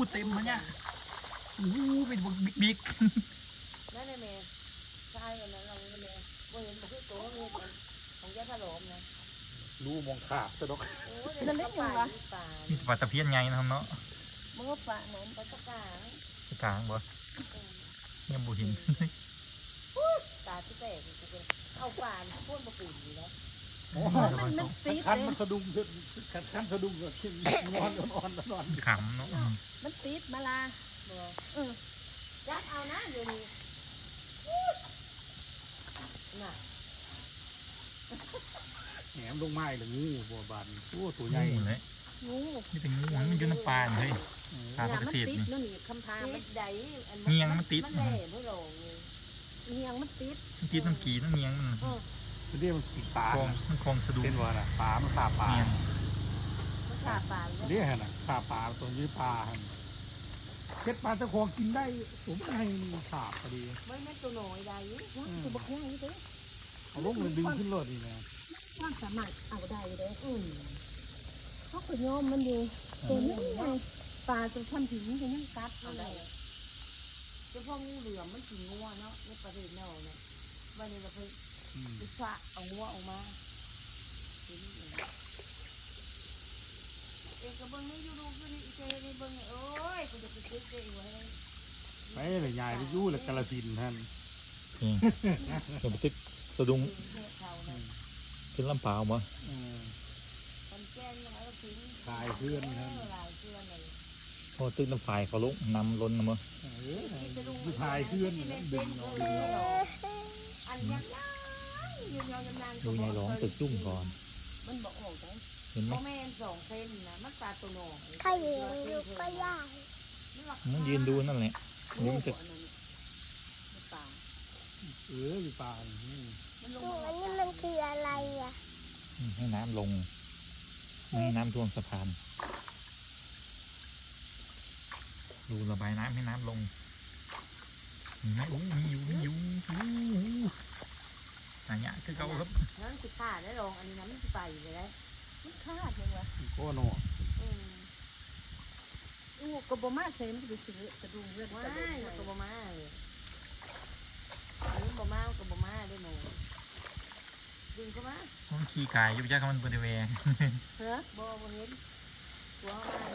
เต็มมันเนี่ยเป็นบิ๊กนั่นเลยแม่ใช่วันนั้นเราเลยแม่บ่เห็นบ่คือโตเงินของยาถล่มนะรู้มองขาดซะดอกนั่นเล็กยังวะนี่ปลาตะเพียนไงนะครับเนาะมันก็ปลาเหมือนปลาตะกางกลางบ่เนี่ยบุหินตาที่แตกเข้าป่านพ่นมาปีอยู่แล้วมันติดคันมันสะดุ้งคันสะดุ้งก็ขึ้นนอนขำเนาะมันติดมาลายักเอานะเดี๋ยวนี้น่ะแหมลงไม้หรืองูบัวบานตัวใหญ่เลยงูนี่เป็นงูมันอยู่น้ำปลาเลยปลาเกษตรนี่นี่คำพามันใดเงียงมันติดมันแหล่ไม่ลงเงียงมันติดน้ำกีน้ำเงียงมันเรียกมันกินปลามันคลองสะดุ้งเป็นว่าน่ะปลามันขาปลามันขาปลาเรียกน่ะขาปลาตัวนี้ปลาเก็ดปลาตะคองกินได้ผมให้ขาพอดีไม่แม่ตัวหน่อยใดตัวบักย่างนี่เด้เอาลูกมันดึงขึ้นรถดีนะความสามารถเอาได้เลยเขาขุดยอมมันอยู่ตัวนี้ไงปลาตัวช่ำถึงจะยังกัดเอาได้เจ้าพ่องูเหลือมมันกินงัวเนาะในประเทศเราเนี่ยวันนี้เราไปสะเอางัวออกมาเอกกับเบิ้งนี่ยูรูคือนี่เจนี่เบิ้งโอ้ยกูจะไปซื้อเจไว้ไม่เลยยายไปยู่เลยกาลสินท่านเดี๋ยวไปตึกสะดุ้งเป็นลำเปล่ามั้งขายเพื่อนท่านพอตึกน้ำฝายเขาลุกนำล้นนะมั้งขายเพื่อนดึงดูยายร้องตึกจุ่มก่อนมันบอกออกได้เห็นไหมแม่2 เซนนะมันปลาตัวหนองถ้ายืนดูก็ยากมันยืนดูนั่นแหละเดี๋ยวมันจะอยู่ป่าอันนี้มันคืออะไรอ่ะให้น้ำลงไม่ให้น้ำท่วมสะพานดูระบายน้ำให้น้ำลงมีไหมมีอยู่อันนี้คือเขาครับนั่นคือขาดได้ลงอันนี้น้ำมันไปเลยได้มันขาดเลยวะก็หนอกบมาใช้มันจะซื้อสะดุ้งเรื่องว่ากบมาเลยอันนี้กบมาได้หนูดึงเข้ามามันขี่กายยุบยักษ์มันบริเวณเฮ้ยบ่เห็นตัวมา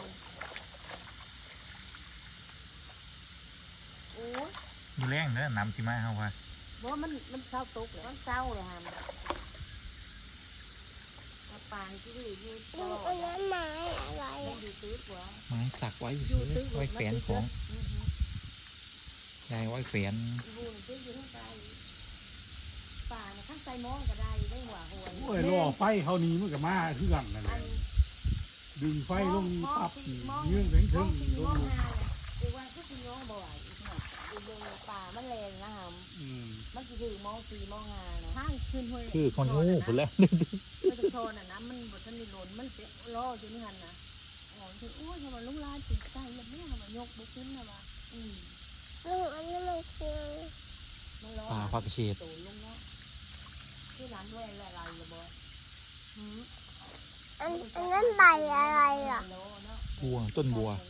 โอ้ยดูแรงเนอะน้ำที่มาเขาว่าบ่มันเศร้าตกเลยมันเศร้าเลยฮะปางที่อยู่อันนั้นไม้อะไรอยู่ตื้อกว่าไม้สักไว้เฉยไว้แฝนของยายไว้แฝนป่าข้างใจมองก็ได้ได้หัวหัวโอ้ยล่อไฟเขานี้มันกับมาเพื่อนนั่นเลยดึงไฟลงปับเยื่อแข็งถึงลงเดี๋ยวว่าก็คือน้องบ่อยป่ามันแรงนะฮะมันคือมอง4 มอง 5นะข้างขึ้นห้วยคือคนงูคนแล้วไม่ต้องโทนอ่ะนะมันบดทันมีหล่นมันเป็นล่อจนนี่หันนะอ๋อคือโอ้ยทำไมลุงลานติดใจแบบนี้ทำไมยกบุขึ้นนะวะอันนี้มันคือป่าพักเชษตูลุงเนาะที่ร้านด้วยอะไรเลยบ่อันนั้นใบอะไรอ่ะบัวต้นบัว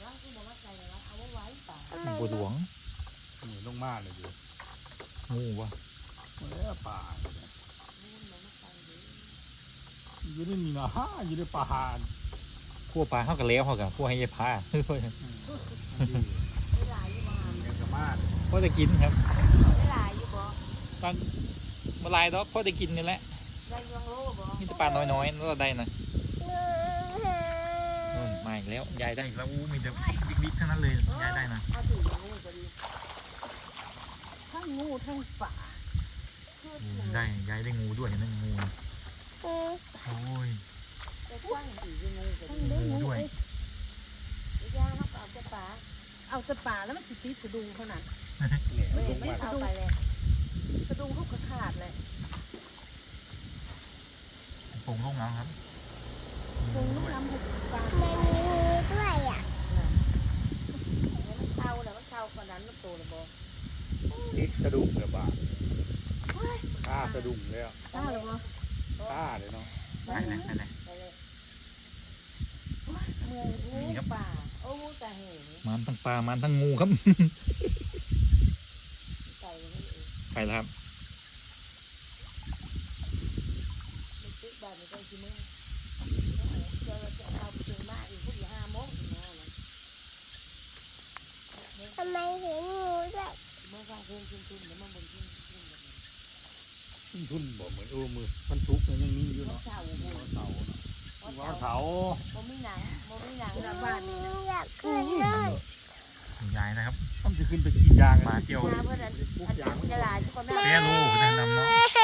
บัวหลวงเหมือนลงมาเลยดิงูวะป่าอยู่ในนี่นะอยู่ในป่าพวกปลาเข้ากันแล้วเขากับพวกให้ยายพาพ่อจะกินครับมาลายดอกพ่อจะกินนี่แหละมีแต่ปลาน้อยๆแล้วเราได้นะมาอีกแล้วยายได้อีกแล้วมีแต่บิ๊กๆทั้งนั้นเลยยายได้นะทั้งงูทั้งป่าได้ยายได้งูด้วยนั่นงูโอ้ยงูด้วยย่างเอาแต่ป่าแล้วมันสิติดสะดุ้งขนาดมันสิติดสะดุ้งสะดุ้งเขาขาดเลยผงลูกน้ำครับผงลูกน้ำปลามันมีงูด้วยอ่ะมันเข้าแล้วมันเข้าคนนั้นมันโตเลยบ่ติดสะดุ้งเลยบ้าฆ่าสะดุ้งเลยอ่ะฆ่าเลยบ่ฆ่าเลยเนาะไปเลยเมื่อยงูป่าโอ้อ้แต่เหงมันทั้งปลามันทั้งงูครับไก่ไม่เองไปแล้วครับมันตึกบ้านมันก็ชิมะจะเอาไปถึงบ้านอีกพวกอยู่5 โมงถึงมาเลยทำไมเห็นงูด้วยเมื่อฟังเพลงขึ้นเดี๋ยวมันบ่นขึ้นทุนบอกเหมือนมือมันสุกมันยังมีอยู่วันเนาะเสาร์วันเสาร์เนาะวันเสาร์บ่มีหนังแล้วบ้านนี่นะอยากขึ้นเลยยายนะครับต้องจะขึ้นไปกินยางปลาเจียวมาเพื่อนอันเป็นกระดาษที่คนหน้าเสียรู้แนะนำเนาะ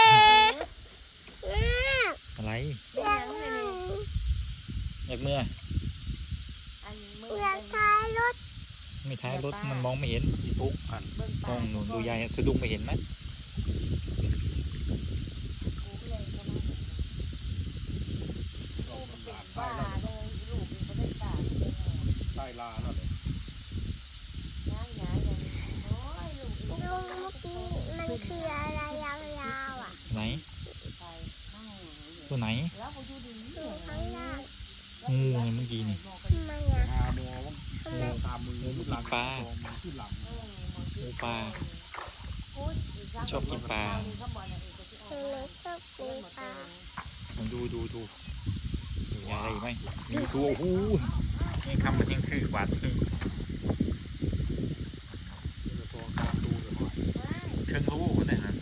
อะไรเป็นหนังเลยนี่อยากเมื่ออันมือยากท้ายรถไม่ท้ายรถมันมองไม่เห็นจีตุกกันเบิ่งมองหนูดูยายสะดุ้งไม่เห็นไหมกูเลยก็มาโอ้เป็นบ้าเลยลูกมันได้ตาใต้ลาแล้วเลยย่างอย่างโอ้ยลูกลุงเมื่อกี้มันคืออะไรยาวๆอ่ะไหนไปข้างตัวไหนแล้วกูอยู่ดีอยู่ข้างล่างงูไงเมื่อกี้นี่ทำไมอ่ะหาโมว่างูตามมือหลังขึ้นหลังงูปลา ชอบกินปลาทำไมชอบกินปลาดูยายอะไรอีกไหมมีตัวโอ้โหนี่คำมันยังคือหวานเครื่องรู้เนี่ยนะ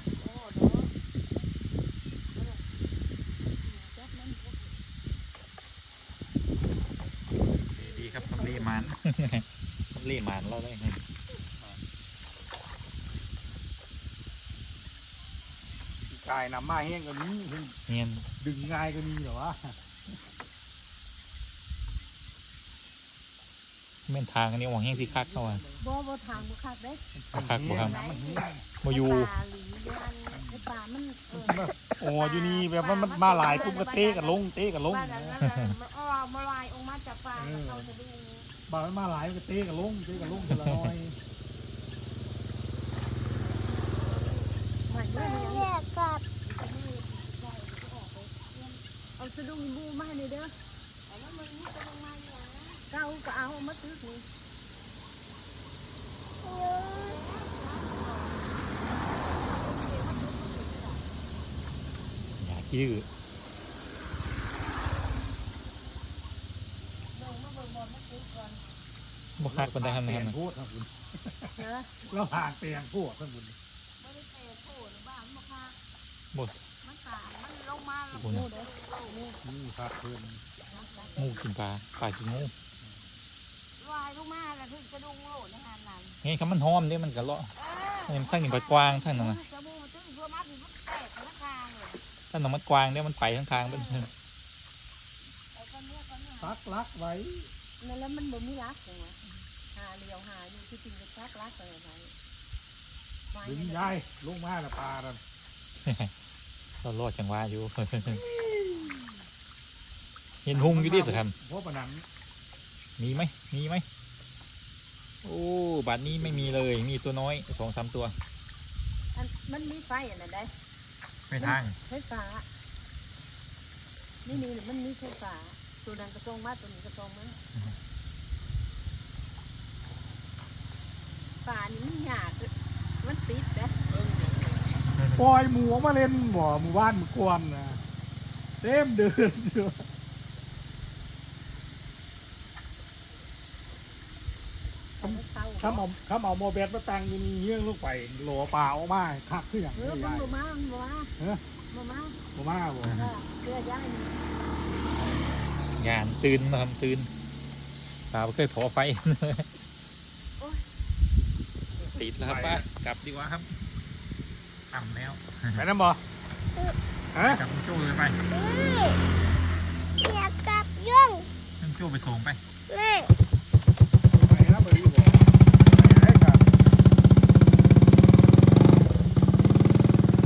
ดีครับทำเลมัน ทำเลมันเราได้กายน้ำมาแห้งก็มีเนียนดึงง่ายก็มีเหรอวะเม่นทางอันนี้หวังแห้งสิคักเข้ามาบ่ทางบ่คักเด้คักบ่ครับมันแห้งมาอยู่ปลาหลีอันปลามันโอ้อยู่นี่แบบว่ามันมาหลายปุ๊บก็เตะกันลงบ้านนั้นมันอ้อมาลายออกมาจากปลาเขาจะดูมันมาหลายก็เตะกันลงทีละน้อยมันไม่ยังอยากกลับเอาสะดุ้งบูมาให้เด้อเก้าก็เอามาตึกนี่อย่าขี้ดื้อบ่คักคนได้ทำงานนะพูดครับคุณเด้อแล้วห่างเตียงพูดครับคุณไม่ได้เตะโผล่หรือบ้ามันค่ะบ่มันตายมันลงมาแล้วโอ้โหเด้อนี่ครับเพื่อนงูกินปลากินงูลายลงมาแล้วถึงสะดุ้งโลดในงานนั้นไงคำมันหอมเนี่ยมันก็เลาะทั้งนี้มันกว้างทั้งนั้นนะสะบู่ตึ้งเพื่อมาถึงมันแตกทั้งทางเลยทั้งนั้นมันกว้างเนี่ยมันไปทั้งทางเป็นซักลักไว้แล้วมันบ่มีรักจังวะหาเลี้ยวหาอยู่ที่จริงก็ชักรักเลยไงดึงยายลงมาละปลาดันเรารอดจังหวะอยู่ เห็นหุงอยู่ดิสิครับเพราะปนันมีไหมโอ้บัดนี้ไม่มีเลยมีตัวน้อย2-3 ตัวมันมีไฟอันนั้นได้ไม่ทางไฟฟ้านี่มันมีไฟฟ้าตัวนั้นกระทรงมาตัวนี้กระทรงมาป่านี่มันหยาดมันติดนะปล่อยหมูมาเล่นหมู่บ้านหมู่กวนนะเต็มเดินอยู่ข้ามเอาโมเบสมาตั้งอยู่นี่เยื่องลูกไปโหลปลาออกมาคักขึ้นอย่างเอนี้อมันยายบ่มาบ่มาเฮ้ยบ่มาบ่มาบ่เสื้อย่ายนี่งานตื่นนะครับตื่นปลาไม่เคยพอไฟ ติดแล้วครับป้ากลับดีกว่าครับต่ำแล้วไปนั่นบ่ฮะกลับคุณโจ้เลยไปอยากกลับยุ่งคุณโจ้ไปส่งไปอ